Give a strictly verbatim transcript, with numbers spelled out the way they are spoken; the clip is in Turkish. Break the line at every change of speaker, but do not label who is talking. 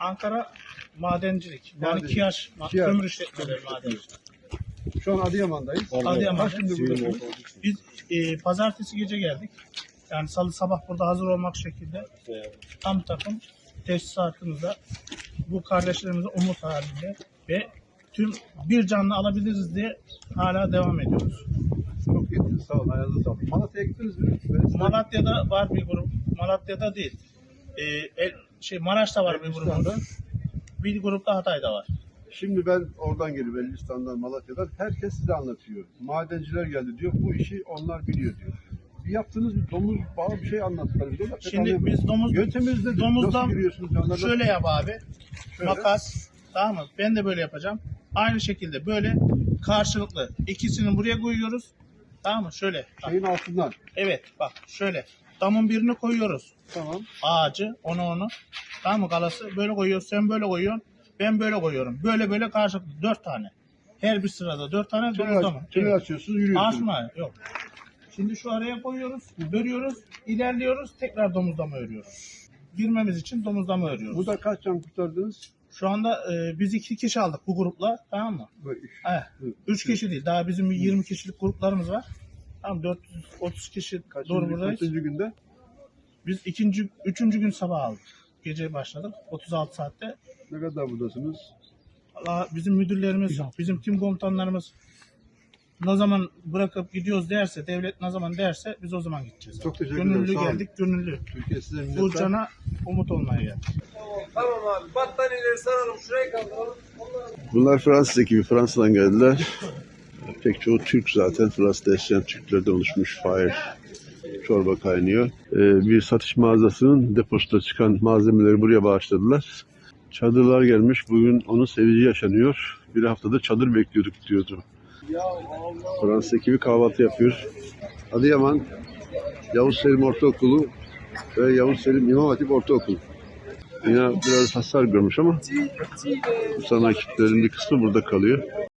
Ankara madencilik. Yani
Madencilik.
KİAŞ,
KİAŞ.
kömür işletmeleri madencilik.
Şu an Adıyaman'dayız.
Adıyaman'da.
Kaç gündür buradasınız?
Biz e, pazartesi gece geldik. Yani salı sabah burada hazır olmak şekilde tam takım teşhisatımızda bu kardeşlerimize umut halinde ve tüm bir canlı alabiliriz diye hala devam ediyoruz.
Çok iyi. Sağ olun. Ayağınıza sağlık. Malatya'ya gittiniz mi? Ben-
Malatya'da var bir grup. Malatya'da değil. E, el, şey Maraş'ta var bir
Elbistan'da.
grubumuz. Bir grup da Hatay'da var.
Şimdi ben oradan geliyorum. Elbistan'dan, Malatya'dan. Herkes size anlatıyor. Madenciler geldi diyor. Bu işi onlar biliyor diyor. Bir yaptığınız bir domuz bağı bir şey anlattılar. Biz ona pek
Şimdi
anlayamadık.
biz domuz
Yönteminiz nedir?
domuzdan
Nasıl giriyorsunuz canlarına?
şöyle yap abi.
Şöyle.
Makas. Tamam mı? Ben de böyle yapacağım. Aynı şekilde böyle karşılıklı ikisini buraya koyuyoruz. Tamam mı? Şöyle. Bak.
Şeyin altından.
Evet bak şöyle. Damın birini koyuyoruz.
Tamam.
Ağacı onu onu. Tamam mı kalası? Böyle koyuyoruz. Sen böyle koyuyorsun. Ben böyle koyuyorum. Böyle böyle karşılıklı. Dört tane. Her bir sırada dört tane
Tünel,
domuz damı.
tünel
Evet.
açıyorsunuz, yürüyorsunuz.
Asma yok. Şimdi şu araya koyuyoruz. Örüyoruz. İlerliyoruz. Tekrar domuzlama örüyoruz. Girmemiz için domuzlama örüyoruz.
Burada kaç can kurtardınız?
Şu anda e, biz iki kişi aldık bu grupla. Tamam mı?
Böyle üç.
Evet. Üç kişi değil. Daha bizim yirmi kişilik gruplarımız var. Tamam dört yüz otuz kişi
Kaçıncı,
doğru buradayız.
kaçıncı günde?
Biz ikinci, üçüncü gün sabah aldık. Gece başladık. otuz altı saatte.
Ne kadar buradasınız?
Allah, bizim müdürlerimiz, bizim tim komutanlarımız ne zaman bırakıp gidiyoruz derse, devlet ne zaman derse biz o zaman gideceğiz.
Çok teşekkür ederim,
Gönüllü
sağ olun.
geldik, gönüllü.
Türkiye size minnettar.
Burcan'a umut olmaya geldik.
Tamam abi. Battaniyeleri saralım. Şuraya kaldıralım.
Bunlar Fransız ekibi. Fransa'dan geldiler. Pek çoğu Türk zaten. Fransa'da yaşayan Türklerden oluşmuş fire. Çorba kaynıyor. Ee, bir satış mağazasının deposunda çıkan malzemeleri buraya bağışladılar. Çadırlar gelmiş. Bugün onun sevinci yaşanıyor. Bir haftada çadır bekliyorduk diyordu. Fransız ekibi kahvaltı yapıyor. Adıyaman Yavuz Selim Ortaokulu ve Yavuz Selim İmam Hatip Ortaokulu. Yine biraz hasar görmüş ama bu sana ekiplerin bir kısmı burada kalıyor.